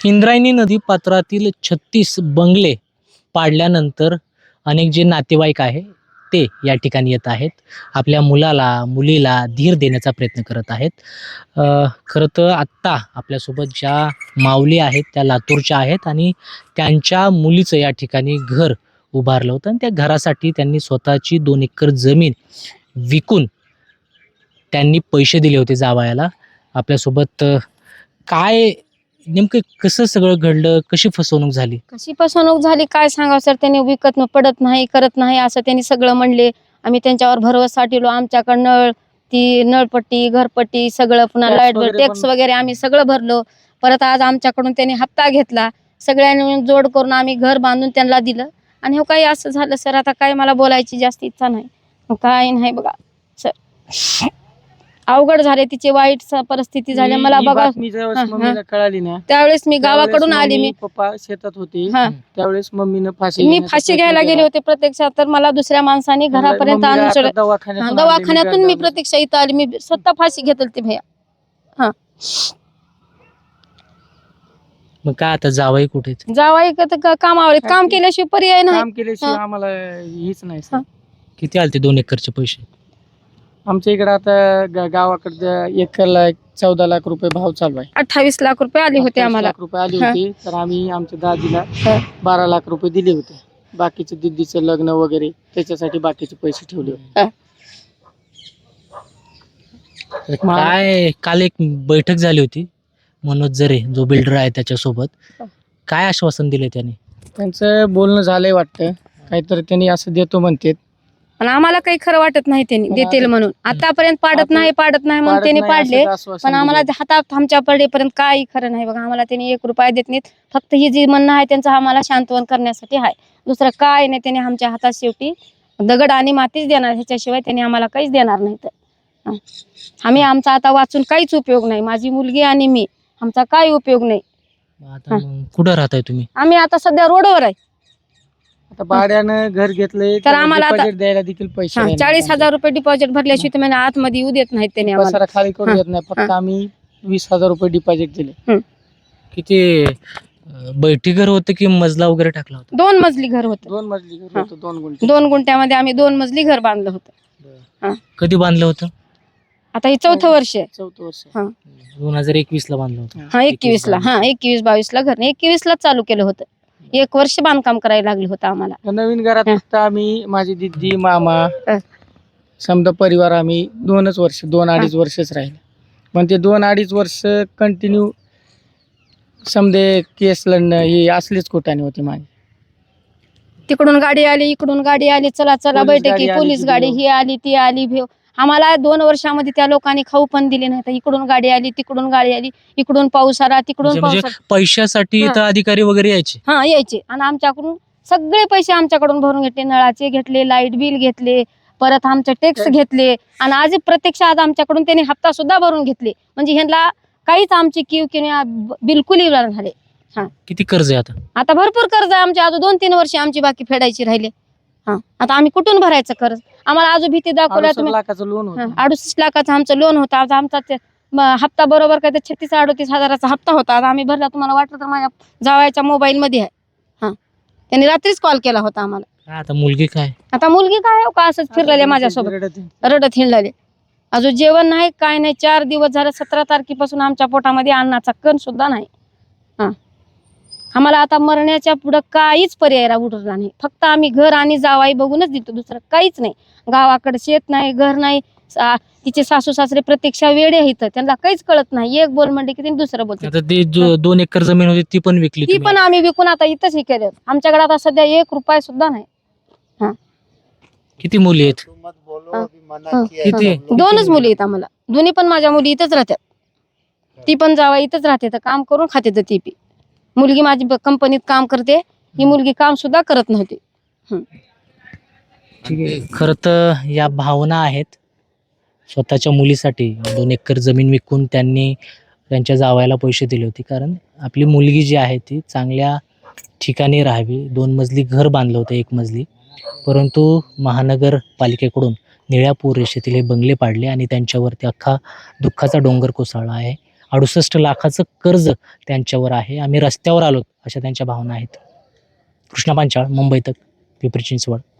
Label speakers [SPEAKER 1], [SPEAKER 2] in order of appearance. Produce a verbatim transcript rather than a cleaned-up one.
[SPEAKER 1] इंद्रायणी नदी पात्रातील छत्तीस बंगले पाडल्यानंतर अनेक जे नातेवाईक आहे ते या ठिकाणी येत आहेत. आपल्या मुलाला मुलीला धीर देण्याचा प्रयत्न करत आहेत. अ, खरं तर आत्ता आपल्यासोबत ज्या माऊली आहेत त्या लातूरच्या आहेत आणि त्यांच्या मुलीचं या ठिकाणी घर उभारलं होतं आणि त्या घरासाठी त्यांनी स्वतःची दोन एकर जमीन विकून त्यांनी पैसे दिले होते जावयाला. आपल्यासोबत अ, काय नेमकं कसं सगळं घडलं, कशी फसवणूक झाली?
[SPEAKER 2] कशी फसवणूक झाली काय सांगावं सर. त्यांनी विकत न- पडत नाही करत नाही असं त्यांनी सगळं म्हणले. आम्ही त्यांच्यावर भरवसा ठेवलो. आमच्याकडं नळ ती नळपट्टी घरपट्टी सगळं पुन्हा
[SPEAKER 3] Tax
[SPEAKER 2] लाईट बिल
[SPEAKER 3] वगैरे
[SPEAKER 2] टॅक्स
[SPEAKER 3] पण-
[SPEAKER 2] वगैरे आम्ही सगळं भरलो. परत आज आमच्याकडून त्यांनी हप्ता घेतला. सगळ्यांनी मिळून जोड करून आम्ही घर बांधून त्यांना दिलं आणि हो काही असं झालं सर. आता काय मला बोलायची जास्त इच्छा नाही. मग काय नाही बघा सर. अवघड झाले तिची वाईट स- परिस्थिती झाली
[SPEAKER 3] ही-
[SPEAKER 2] मला
[SPEAKER 3] ही
[SPEAKER 2] बघा.
[SPEAKER 3] बातमी ज्यावेळेस
[SPEAKER 2] हा, हा.
[SPEAKER 3] मम्मीला कळाली ना
[SPEAKER 2] त्यावेळेस मी
[SPEAKER 3] त्यावेळेस
[SPEAKER 2] गावाकडून आली.
[SPEAKER 3] मम्मी,
[SPEAKER 2] मी
[SPEAKER 3] पप्पा शेतात होते.
[SPEAKER 2] हा
[SPEAKER 3] त्यावेळेस मम्मीनं फाशी
[SPEAKER 2] मी
[SPEAKER 3] घेण्याचा
[SPEAKER 2] फाशी
[SPEAKER 3] प्रयत्न
[SPEAKER 2] घ्यायला गेले
[SPEAKER 3] केला.
[SPEAKER 2] होते प्रत्यक्षात. तर मला दुसऱ्या माणसाने
[SPEAKER 3] म्हणलं,
[SPEAKER 2] घरापर्यंत
[SPEAKER 3] मम्मीला
[SPEAKER 2] आणून
[SPEAKER 3] आता
[SPEAKER 2] सोडलं. हा,
[SPEAKER 3] दवाखान्यातून आणले,
[SPEAKER 2] दवाखान्यातून मी
[SPEAKER 3] गाडी लावली.
[SPEAKER 2] प्रत्यक्ष इथं आली. मी स्वतः फाशी घेतली ती भैया.
[SPEAKER 1] मग काय आता जावई कुठे आहेत?
[SPEAKER 2] जावाई का तर का- कामावर आहेत. काम केल्याशिवाय पर्याय नाही.
[SPEAKER 3] काम केल्याशिवाय
[SPEAKER 2] हा.
[SPEAKER 3] आम्हाला हीच नाही सर.
[SPEAKER 2] हा.
[SPEAKER 1] किती आलते दोन एकरचे पैसे?
[SPEAKER 3] आमच्या इकडे आता गा- गावाकडच्या एकरला चौदा लाख रुपये भाव चालू आहे.
[SPEAKER 2] अठ्ठावीस लाख रुपये आले होते
[SPEAKER 3] अठ्ठावीस
[SPEAKER 2] आम्हाला.
[SPEAKER 3] लाख रुपये आले
[SPEAKER 2] हा.
[SPEAKER 3] होते. तर आम्ही आमच्या दादीला
[SPEAKER 2] हा.
[SPEAKER 3] बारा लाख रुपये दिले होते. बाकीचे दिदीचं लग्न वगैरे त्याच्यासाठी बाकीचे पैसे ठेवले होते.
[SPEAKER 2] हा.
[SPEAKER 1] काय काल एक बैठक झाली होती मनोज जरे जो बिल्डर आहे त्याच्यासोबत. काय आश्वासन दिले त्याने?
[SPEAKER 3] त्यांचं बोलणं झालंय वाटतं. काहीतरी त्यांनी असं देतो म्हणतात.
[SPEAKER 2] पण आम्हाला काही खरं वाटत नाही त्यांनी
[SPEAKER 3] पण
[SPEAKER 2] देतील
[SPEAKER 3] आता-
[SPEAKER 2] म्हणून. आतापर्यंत पाडत
[SPEAKER 3] आता-
[SPEAKER 2] नाही पाडत नाही म्हणून
[SPEAKER 3] पाडत
[SPEAKER 2] त्यांनी
[SPEAKER 3] नाही
[SPEAKER 2] पाडले.
[SPEAKER 3] असंच आश्वासन
[SPEAKER 2] पण आम्हाला
[SPEAKER 3] दिलं.
[SPEAKER 2] हातात आमच्या पडेपर्यंत काही खरं नाही बघा. आम्हाला त्यांनी एक रुपया देत नाहीत. फक्त ही जी म्हणणं आहे त्यांचं आम्हाला शांतवन करण्यासाठी आहे. दुसरं काय नाही. त्यांनी आमच्या हातात शेवटी दगड आणि मातीच देणार. ह्याच्याशिवाय त्यांनी आम्हाला काहीच देणार नाही. तर आम्ही आमचा आता वाचून काहीच उपयोग नाही. माझी मुलगी आणि मी आमचा काही उपयोग नाही.
[SPEAKER 1] आता मग कुठं राहताय तुम्ही?
[SPEAKER 2] आम्ही आता सध्या रोडवर आहे.
[SPEAKER 3] आता भाड्यानं घर घेतलंय
[SPEAKER 2] तर आम्हाला आता-
[SPEAKER 3] डिपॉझिट द्यायला देखील पैसे
[SPEAKER 2] हा,
[SPEAKER 3] नाही.
[SPEAKER 2] चाळीस हजार रुपये डिपॉझिट भरल्याशिवाय तुम्ही आतमध्ये येऊ देत नाहीत त्यांनी आम्हाला.
[SPEAKER 3] पसारा खाली करू
[SPEAKER 2] हा.
[SPEAKER 3] देत नाही. फक्त आम्ही वीस हजार रुपये डिपॉझिट दिले.
[SPEAKER 1] किती अं, बैठी घर होतं की मजला वगैरे टाकला होता?
[SPEAKER 2] दोन मजली घर होतं.
[SPEAKER 3] दोन मजली घर
[SPEAKER 2] हा.
[SPEAKER 3] होतं. दोन गुंठे.
[SPEAKER 2] दोन गुंठ्यामध्ये आम्ही दोन मजली घर बांधलं होतं.
[SPEAKER 1] कधी बांधलं होतं?
[SPEAKER 2] आता हे चौथं वर्ष आहे.
[SPEAKER 3] चौथं वर्ष.
[SPEAKER 2] हा
[SPEAKER 1] दोन हजार एकवीस ला बांधलं होतं.
[SPEAKER 2] हा एकवीस ला हा एकवीस बावीस ला घर एकवीस ला चालू केलं होतं. एक वर्ष बांधकाम करायला लागलं होतं आम्हाला.
[SPEAKER 3] तर नवीन घरात
[SPEAKER 2] हा.
[SPEAKER 3] फक्त आम्ही माझी दिदी मामा
[SPEAKER 2] हा.
[SPEAKER 3] समजा परिवार आम्ही दोनच वर्ष दोन अडीच वर्षच राहिले. पण ते दोन अडीच वर्ष कंटिन्यू समजे केस लढणं ही असलीच कुटाने होती माझी.
[SPEAKER 2] तिकडून गाडी आली इकडून गाडी आली. चला चला
[SPEAKER 3] पोलीस
[SPEAKER 2] बैठकी
[SPEAKER 3] गाडी आली,
[SPEAKER 2] पोलीस
[SPEAKER 3] ती
[SPEAKER 2] गाडी
[SPEAKER 3] भेव.
[SPEAKER 2] ही आली ती आली भेव. आम्हाला दोन वर्षामध्ये त्या लोकांनी खाऊ पण दिले नाही. तर इकडून गाडी आली तिकडून गाडी आली. इकडून पाऊस आला तिकडून
[SPEAKER 1] म्हणजे म्हणजे
[SPEAKER 2] पाऊस आला.
[SPEAKER 1] पैशासाठी
[SPEAKER 2] हा.
[SPEAKER 1] इथं अधिकारी वगैरे यायचे?
[SPEAKER 2] हा यायचे आणि आमच्याकडून सगळे पैसे आमच्याकडून भरून घेतले. नळाचे घेतले लाईट बिल घेतले परत आमचे टॅक्स
[SPEAKER 3] टॅक्स.
[SPEAKER 2] घेतले आणि आज प्रत्यक्ष आज आमच्याकडून त्यांनी हप्ता सुद्धा भरून घेतले. म्हणजे ह्यांना काहीच आमची किव किंवा बिलकुल इलाज झाले.
[SPEAKER 1] किती कर्ज आहे आता?
[SPEAKER 2] आता भरपूर कर्ज आहे आमचे. अजून दोन तीन वर्ष आमची बाकी फेडायची राहिले. हा आता आम्ही कुठून भरायचं कर्ज? आम्हाला अजून भीती दाखवल्या
[SPEAKER 3] अडुसष्ट
[SPEAKER 2] तुम्ही.
[SPEAKER 3] लाखाचं लोन होतं.
[SPEAKER 2] हा, अडुसष्ट लाखाचं आमचं लोन होतं. आज आमचा ते, म, हप्ता बरोबर काय तर छत्तीस अडतीस हजाराचा हप्ता होता. आता आम्ही भरला. तुम्हाला वाटलं तर माझ्या जावयाच्या मोबाईल मध्ये आहे. हा त्यांनी रात्रीच कॉल केला होता आम्हाला.
[SPEAKER 1] काय आता मुलगी काय?
[SPEAKER 2] आता मुलगी काय हो का असंच फिरलेले माझ्यासोबत
[SPEAKER 3] रडत आहे.
[SPEAKER 2] रडत हिंडलेले. अजून जेवण नाही काय नाही. चार दिवस झाले. सतरा तारखेपासून आमच्या पोटामध्ये अन्नाचा कण सुद्धा नाही. हा आम्हाला आता मरण्याच्या पुढं काहीच पर्याय रा- उरला नाही. फक्त आम्ही घर आणि जावाई बघूनच देतो. दुसरं काहीच नाही. गावाकडे शेत नाही घर नाही. सा- तिचे सासू सासरे प्रत्यक्षा वेडे आहेत. त्यांना काहीच कळत नाही. एक बोल म्हणले की त्यांनी दुसरं बोलते.
[SPEAKER 1] आता ते जो दोन एकर जमीन होती ती पण विकली
[SPEAKER 2] ती
[SPEAKER 1] तुम्ही?
[SPEAKER 2] पण आम्ही विकून आता इथंच हे केलं. आमच्याकडे आता सध्या एक रुपया सुद्धा नाही.
[SPEAKER 1] किती मुली आहेत?
[SPEAKER 2] हा. हा.
[SPEAKER 1] किती?
[SPEAKER 2] दोनच मुली आहेत आम्हाला. दोन्ही पण माझ्या मुली इथंच राहतात. ती पण जावा इथंच राहते. तर काम करून खाते तर ती बी. मुलगी माझी ब- कंपनीत काम करते. ही मुलगी काम सुद्धा करत नव्हती.
[SPEAKER 1] ठीक आहे. खरं तर या भावना आहेत. स्वतःच्या मुलीसाठी दोन एकर जमीन विकून त्यांनी त्यांच्या जावयाला पैसे दिले होते. कारण आपली मुलगी जी आहे ती चांगल्या ठिकाणी राहावी. दोन मजली घर बांधलं होतं एक मजली. परंतु महानगरपालिकेकडून निळ्या पूर रेषेतील हे बंगले पाडले आणि त्यांच्यावरती अख्खा दुःखाचा डोंगर कोसळला आहे. अडुसष्ट लाखाचं कर्ज त्यांच्यावर आहे. आम्ही रस्त्यावर आलो अशा त्यांच्या भावना आहेत. कृष्णा पांचाळ, मुंबई तक, पिंपरी चिंचवड.